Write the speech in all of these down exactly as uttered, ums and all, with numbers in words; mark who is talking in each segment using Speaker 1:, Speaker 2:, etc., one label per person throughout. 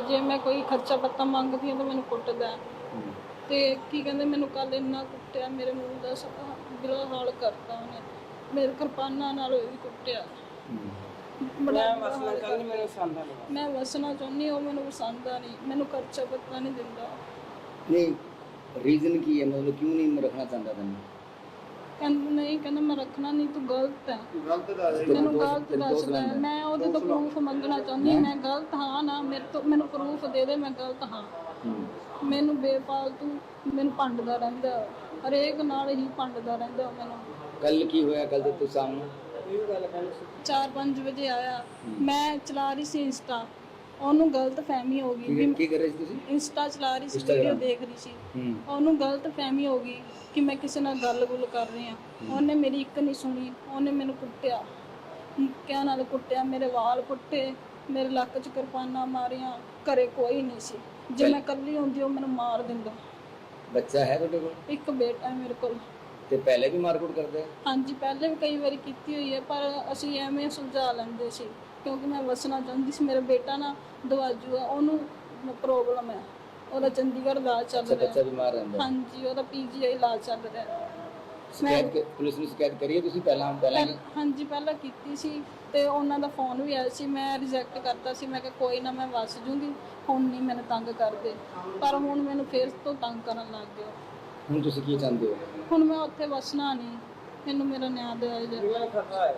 Speaker 1: जे मैं कोई खर्चा पत्ता मंगदी हाँ तो मैंने कुटदा ते की कहंदे मैनूं कल इन्ना कुट्टिया मेरे मूँह दा बुरा हाल करता उन्हें मेरे किरपाना नाल भी कुट्टिया बड़ा वसना चाहनी मैनूं पसंद नहीं मैं वसना चाहनी वो मैनूं पसंद नहीं मैनूं खर्चा पत्ता नहीं दिंदा
Speaker 2: नहीं रीजन की है मतलब क्यों नहीं रखना चाहता तैਨੂੰ
Speaker 1: कहंदा नहीं कहंदा मैं रखना नहीं तू गलत है
Speaker 2: गलत दस
Speaker 1: मैनूं गलत दसदा मैं ओहदे तो प्रूफ मंगना चाहनी मैं गलत हाँ ना मेरे तो मैनूं प्रूफ दे दे मैं गलत हाँ मैनूं बेफालतू मैनूं भंडदा रहिंदा हरेक नाल ही भंडदा रहिंदा मैनूं
Speaker 2: कल की होया कल तो तू सामने
Speaker 1: चार पाँच बजे आया मैं चला रही सी इंस्टा ਉਹਨੂੰ ਗਲਤ ਫਹਿਮੀ ਹੋ ਗਈ
Speaker 2: ਕੀ ਕਰ ਰਹੀ ਸੀ ਤੁਸੀਂ
Speaker 1: ਇੰਸਟਾ ਚਲਾ ਰਹੀ ਸੀ ਵੀਡੀਓ ਦੇਖ ਰਹੀ ਸੀ ਉਹਨੂੰ ਗਲਤ ਫਹਿਮੀ ਹੋ ਗਈ ਕਿ ਮੈਂ ਕਿਸੇ ਨਾਲ ਗੱਲ-ਗੁੱਲ ਕਰ ਰਹੀ ਹਾਂ ਉਹਨੇ ਮੇਰੀ ਇੱਕ ਨਹੀਂ ਸੁਣੀ ਉਹਨੇ ਮੈਨੂੰ ਕੁੱਟਿਆ ਮੁੱਕਿਆਂ ਨਾਲ ਕੁੱਟਿਆ ਮੇਰੇ ਵਾਲ ਪੁੱਟੇ ਮੇਰੇ ਲੱਕ 'ਚ ਕਿਰਪਾਨਾਂ ਮਾਰੀਆਂ ਘਰੇ ਕੋਈ ਨਹੀਂ ਸੀ ਜੇ ਮੈਂ ਇਕੱਲੀ ਹੁੰਦੀ ਉਹ ਮੈਨੂੰ ਮਾਰ ਦਿੰਦਾ
Speaker 2: ਬੱਚਾ ਹੈ ਤੁਹਾਡੇ ਕੋਲ
Speaker 1: ਇੱਕ ਬੇਟਾ ਹੈ ਮੇਰੇ ਕੋਲ
Speaker 2: ਤੇ ਪਹਿਲੇ ਵੀ ਮਾਰਕੁੱਟ ਕਰਦੇ
Speaker 1: ਹਾਂਜੀ ਪਹਿਲੇ ਵੀ ਕਈ ਵਾਰੀ ਕੀਤੀ ਹੋਈ ਹੈ ਪਰ ਅਸੀਂ ਐਵੇਂ ਸੁਲਝਾ ਲੈਂਦੇ ਸੀ ਕਿਉਂਕਿ ਮੈਂ ਵਸਣਾ ਚਾਹੁੰਦੀ ਸੀ ਮੇਰਾ ਬੇਟਾ ਨਾ ਦਵਾਜੂ ਆ ਉਹਨੂੰ ਪ੍ਰੋਬਲਮ ਹੈ ਉਹਦਾ ਚੰਡੀਗੜ੍ਹ ਇਲਾਜ ਚੱਲ ਰਿਹਾ
Speaker 2: ਬੱਚਾ ਬਿਮਾਰ ਰਹਿੰਦਾ
Speaker 1: ਹਾਂਜੀ ਉਹਦਾ ਪੀਜੀਆਈ ਇਲਾਜ ਚੱਲ ਰਿਹਾ
Speaker 2: ਸ਼ਿਕਾਇਤ ਪੁਲਿਸ ਨੂੰ ਸ਼ਿਕਾਇਤ ਕਰੀਏ ਤੁਸੀਂ ਪਹਿਲਾਂ ਪਹਿਲਾਂ
Speaker 1: ਹਾਂਜੀ ਪਹਿਲਾਂ ਕੀਤੀ ਸੀ ਤੇ ਉਹਨਾਂ ਦਾ ਫੋਨ ਵੀ ਆਇਆ ਸੀ ਮੈਂ ਰਿਜੈਕਟ ਕਰਤਾ ਸੀ ਮੈਂ ਕਿਹਾ ਕੋਈ ਨਾ ਮੈਂ ਵਸ ਜੂੰਗੀ ਹੁਣ ਨਹੀਂ ਮੈਨੂੰ ਤੰਗ ਕਰਦੇ ਪਰ ਹੁਣ ਮੈਨੂੰ ਫੇਰ ਤੋਂ ਤੰਗ ਕਰਨ ਲੱਗ ਗਏ
Speaker 2: ਹੁਣ ਤੁਸੀਂ ਕੀ ਚਾਹੁੰਦੇ ਹੋ
Speaker 1: ਹੁਣ ਮੈਂ ਉੱਥੇ ਵਸਣਾ ਨਹੀਂ ਮੈਨੂੰ ਮੇਰਾ ਨਿਆਂ ਦਿਵਾਇਆ ਜਾਵੇ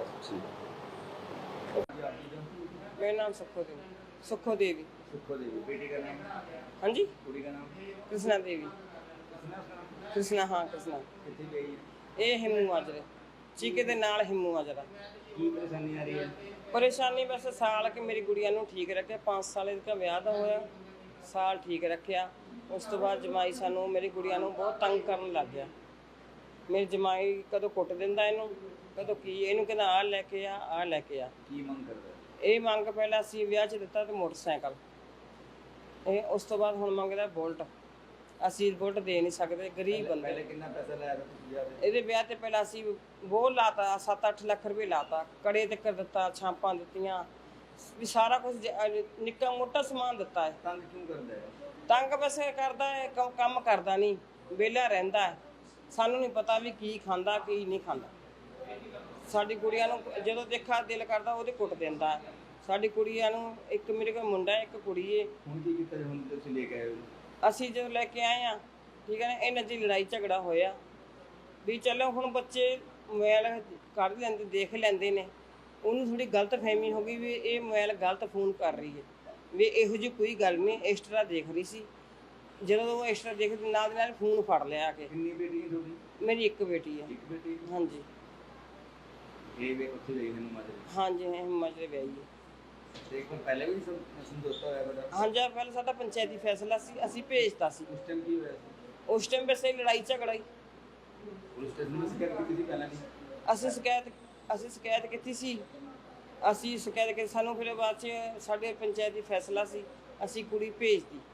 Speaker 3: मेरा नाम सुखो देवी सुखो देवी
Speaker 2: सुखो देवी बेटी का नाम
Speaker 3: हाँ जी
Speaker 2: कुड़ी का नाम
Speaker 3: कृष्णा देवी कृष्णा हाँ कृष्णा
Speaker 2: कितनी गई
Speaker 3: ये हिमू माजरे चीके दे नाल हिमू माजरा
Speaker 2: की परेशानी आ रही है
Speaker 3: परेशानी बस साल के मेरी गुड़िया नूं ठीक रखे पाँच साल का ब्याह दा होया साल ठीक रखिया उस तो बाद जमाई सानू मेरी गुड़िया नूं बहुत तंग करन लग गया मेरी जमाई कदों कुट दिंदा इहनूं कदों की इहनूं कहंदा आ लैके आ आ लैके आ
Speaker 2: की मंग करदा
Speaker 3: ਇਹ ਮੰਗ ਪਹਿਲਾਂ ਅਸੀਂ ਵਿਆਹ 'ਚ ਦਿੱਤਾ ਤੇ ਮੋਟਰਸਾਈਕਲ ਇਹ ਉਸ ਤੋਂ ਬਾਅਦ ਹੁਣ ਮੰਗਦਾ ਬੁਲਟ ਅਸੀਂ ਬੁਲਟ ਦੇ ਨਹੀਂ ਸਕਦੇ ਗਰੀਬ ਬੰਦੇ
Speaker 2: ਪਹਿਲੇ ਕਿੰਨਾ ਪੈਸਾ ਲਾਇਆ ਤੁਸੀਂ ਵਿਆਹ ਤੇ
Speaker 3: ਇਹਦੇ ਵਿਆਹ ਤੇ ਪਹਿਲਾਂ ਅਸੀਂ ਬਹੁਤ ਲਾਤਾ ਸੱਤ ਅੱਠ ਲੱਖ ਰੁਪਏ ਲਾਤਾ ਕੜੇ ਤੇ ਕਰ ਦਿੱਤਾ ਛਾਪਾਂ ਦਿੱਤੀਆਂ ਵੀ ਸਾਰਾ ਕੁਝ ਨਿੱਕਾ ਮੋਟਾ ਸਮਾਨ ਦਿੱਤਾ ਹੈ
Speaker 2: ਤੰਗ ਕਿਉਂ ਕਰਦਾ ਹੈ
Speaker 3: ਤੰਗ ਬਸ ਕਰਦਾ ਹੈ ਕੰਮ ਕਰਦਾ ਨਹੀਂ ਵਿਹਲਾ ਰਹਿੰਦਾ ਹੈ ਸਾਨੂੰ ਨਹੀਂ ਪਤਾ ਵੀ ਕੀ ਖਾਂਦਾ ਕੀ ਨਹੀਂ ਖਾਂਦਾ ਸਾਡੀ ਕੁੜੀਆਂ ਨੂੰ ਜਦੋਂ ਦੇਖਾ ਦਿਲ ਕਰਦਾ ਉਹਦੇ ਕੁੱਟ ਦਿੰਦਾ ਸਾਡੀ ਕੁੜੀਆਂ ਨੂੰ ਇੱਕ ਮੇਰੇ ਕੋਲ ਮੁੰਡਾ ਇੱਕ ਕੁੜੀ ਏ
Speaker 2: ਹੁਣ ਕੀ ਕੀਤਾ ਹੁਣ ਤੁਸੀਂ ਲੈ ਕੇ ਆਏ ਹੋ
Speaker 3: ਅਸੀਂ ਜਦੋਂ ਲੈ ਕੇ ਆਏ ਆ ਠੀਕ ਹੈ ਨਾ ਇਹਨਾਂ ਦੀ ਲੜਾਈ ਝਗੜਾ ਹੋਇਆ ਵੀ ਚਲੋ ਹੁਣ ਬੱਚੇ ਮੋਬਾਈਲ ਕੱਢ ਲੈਂਦੇ ਦੇਖ ਲੈਂਦੇ ਨੇ ਉਹਨੂੰ ਥੋੜੀ ਗਲਤ ਫਹਿਮੀ ਹੋ ਗਈ ਵੀ ਇਹ ਮੋਬਾਈਲ ਗਲਤ ਫੋਨ ਕਰ ਰਹੀ ਹੈ ਵੀ ਇਹੋ ਜਿਹੀ ਕੋਈ ਗੱਲ ਨਹੀਂ ਐਕਸਟਰਾ ਦੇਖ ਰਹੀ ਸੀ ਜਦੋਂ ਉਹ ਐਕਸਟਰਾ ਦੇਖਦੀ ਨਾਲ ਦੇ ਨਾਲ ਫੋਨ ਫੜ ਲਿਆ ਆ ਕੇ
Speaker 2: ਕਿੰਨੀ ਬੇਟੀ ਹੈ ਤੁਹਾਡੀ
Speaker 3: ਮੇਰੀ ਇੱਕ ਬੇਟੀ ਹੈ
Speaker 2: ਇੱਕ ਬੇਟੀ
Speaker 3: ਹਾਂਜੀ
Speaker 2: ਇਹ ਵੇ ਉੱਥੇ ਗਈ ਮੈਨੂੰ ਮਾਜਰੇ
Speaker 3: ਹਾਂਜੀ ਹਿਮਾਚਲ ਵਿਆਹੀ ਹੈ
Speaker 2: ਤੇ ਕੋਲ ਪਹਿਲੇ ਵੀ ਸਮਝੌਤਾ ਹੋਇਆ ਬੜਾ
Speaker 3: ਹਾਂਜੀ ਪਹਿਲਾਂ ਸਾਡਾ ਪੰਚਾਇਤੀ ਫੈਸਲਾ ਸੀ ਅਸੀਂ ਭੇਜਤਾ ਸੀ
Speaker 2: ਉਸ ਟਾਈਮ ਕੀ ਹੋਇਆ ਸੀ
Speaker 3: ਉਸ ਟਾਈਮ ਵੈਸੇ ਲੜਾਈ ਝਗੜਾ ਹੀ
Speaker 2: ਪੁਲਿਸ ਸਟੇਸ਼ਨ ਨੂੰ ਸ਼ਿਕਾਇਤ ਕੀਤੀ ਸੀ ਪਹਿਲਾਂ ਨਹੀਂ
Speaker 3: ਅਸੀਂ ਸ਼ਿਕਾਇਤ ਅਸੀਂ ਸ਼ਿਕਾਇਤ ਕੀਤੀ ਸੀ ਅਸੀਂ ਸ਼ਿਕਾਇਤ ਕੀਤੀ ਸਾਨੂੰ ਫਿਰ ਬਾਅਦ 'ਚ ਸਾਡੇ ਪੰਚਾਇਤੀ ਫੈਸਲਾ ਸੀ ਅਸੀਂ ਕੁੜੀ ਭੇਜਤੀ